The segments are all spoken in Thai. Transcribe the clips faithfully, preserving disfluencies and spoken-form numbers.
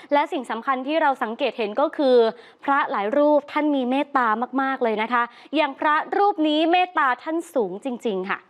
และสิ่งสำคัญที่เราสังเกตเห็นก็คือพระหลายรูปท่านมีเมตตามากๆเลยนะคะอย่างพระรูปนี้เมตตาท่านสูงจริงๆค่ะ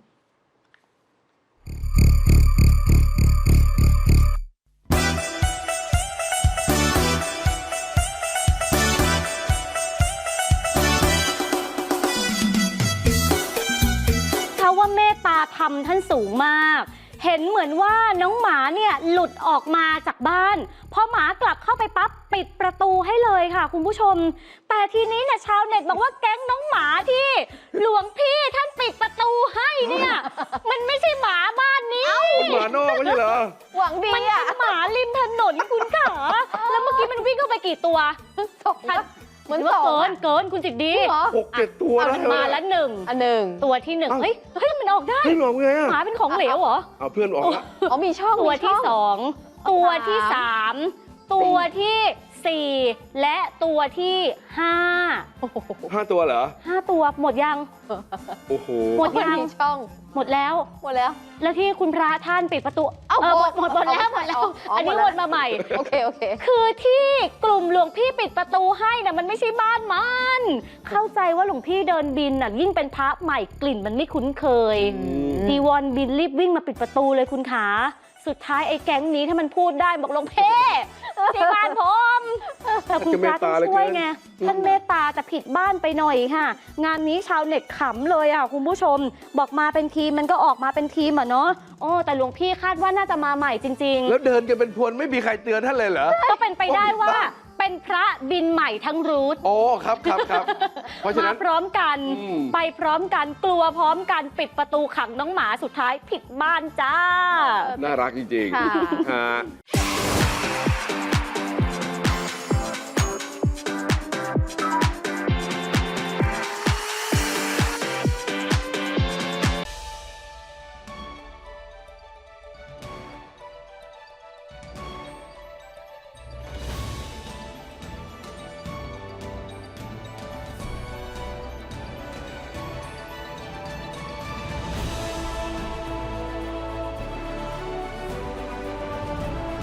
ว่าเมตตาธรรมท่านสูงมากเห็นเหมือนว่าน้องหมาเนี่ยหลุดออกมาจากบ้านพอหมากลับเข้าไปปั๊บปิดประตูให้เลยค่ะคุณผู้ชมแต่ทีนี้เนี่ยชาวเน็ตบอกว่าแก๊งน้องหมาที่หลวงพี่ท่านปิดประตูให้เนี่ยมันไม่ใช่หมาบ้านนี้หมานอกไม่ใช่เหรอหวังดีอ่ะหมาริมถนนคุณขาแล้วเมื่อกี้มันวิ่งเข้าไปกี่ตัวสองเหมือนเกินเกินคุณจิตดีหกเจ็ดตัวนะมาแล้วหนึ่งอันหนึ่งตัวที่หนึ่งเฮ้ยเฮ้ยมันออกได้ไม่ออกไงหมาเป็นของเหลวเหรอเอาเพื่อนออกแล้วอ๋อมีช่องตัวที่สองตัวที่สามตัวที่สี่และตัวที่ห้าห้าตัวเหรอห้าตัวหมดยังโอ้โหหมดยังช่องหมดแล้วหมดแล้วแล้วที่คุณพระท่านปิดประตูเออหมดหมดหมดแล้วหมดแล้วอันนี้วนมาใหม่โอเคโอเคคือที่กลุ่มหลวงพี่ปิดประตูให้น่ะมันไม่ใช่บ้านมันเข้าใจว่าหลวงพี่เดินบินน่ะยิ่งเป็นพระใหม่กลิ่นมันไม่คุ้นเคยจีวรบินรีบวิ่งมาปิดประตูเลยคุณขาสุดท้ายไอ้แก๊งนี้ถ้ามันพูดได้บอกหลวงพี่ที่บ้านผมแต่คุณพระต้องช่วยไงท่านเมตตาแต่ผิดบ้านไปหน่อยค่ะงานนี้ชาวเน็ตขำเลยอ่ะคุณผู้ชมบอกมาเป็นทีมมันก็ออกมาเป็นทีมอ่ะเนาะโอ้แต่หลวงพี่คาดว่าน่าจะมาใหม่จริงๆแล้วเดินกันเป็นพวนไม่มีใครเตือนท่านเลยเหรอก็เป็นไปได้ว่าเป็นพระบินใหม่ทั้งรูทโอ้ครับครับครับเพราะฉะนั้นมาพร้อมกันไปพร้อมกันกลัวพร้อมกันปิดประตูขังน้องหมาสุดท้ายผิดบ้านจ้าน่ารักจริงๆ